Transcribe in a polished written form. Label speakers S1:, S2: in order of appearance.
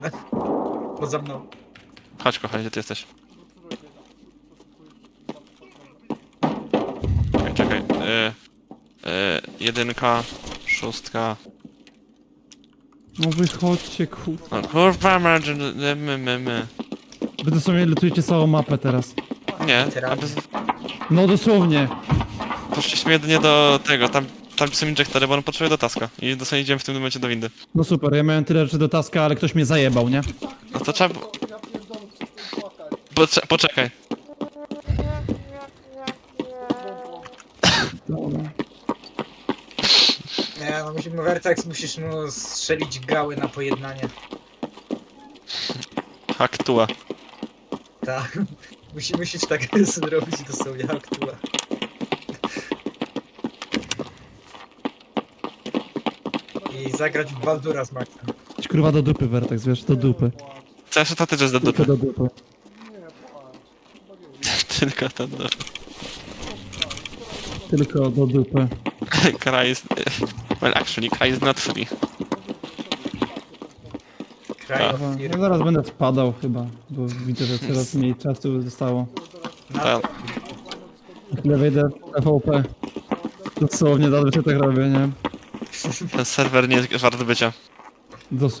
S1: Poza mną.
S2: Chodź kochanie, gdzie ty jesteś? Czekaj. Jedynka, szóstka.
S3: No wychodźcie, kurwa.
S2: No kurwa, my.
S3: Wy dosłownie lutujecie całą mapę teraz.
S2: Nie,
S1: Literalnie.
S3: No dosłownie.
S2: poszliśmy jedynie do tego, tam gdzie są injektory, bo on potrzebuje do taska. I dosłownie idziemy w tym momencie do windy.
S3: No super, ja miałem tyle rzeczy do taska, ale ktoś mnie zajebał, nie?
S2: No to trzeba... Poczekaj.
S1: Nie, no musimy, Vertex, musisz mu strzelić gały na pojednanie.
S2: Aktua.
S1: Tak. Musisz tak zrobić dosłownie aktua. I zagrać w Baldura z Maxem.
S3: Idź, kurwa do dupy, Vertex, wiesz, do dupy.
S2: Chcesz, to ty jest do
S3: Tylko
S2: dupy.
S3: do dupy.
S2: Tylko to do...
S3: Tylko do dupy.
S2: Kara jest... Well, actually, Kara is not free.
S1: Cry of
S3: Aha,
S1: Fear.
S3: ja zaraz będę spadał chyba, bo widzę, że coraz mniej czasu zostało.
S1: Na-
S3: Ile wejdę w TVP. Dosłownie zazwyczaj tak robię, nie?
S2: Ten serwer nie jest wart bycia.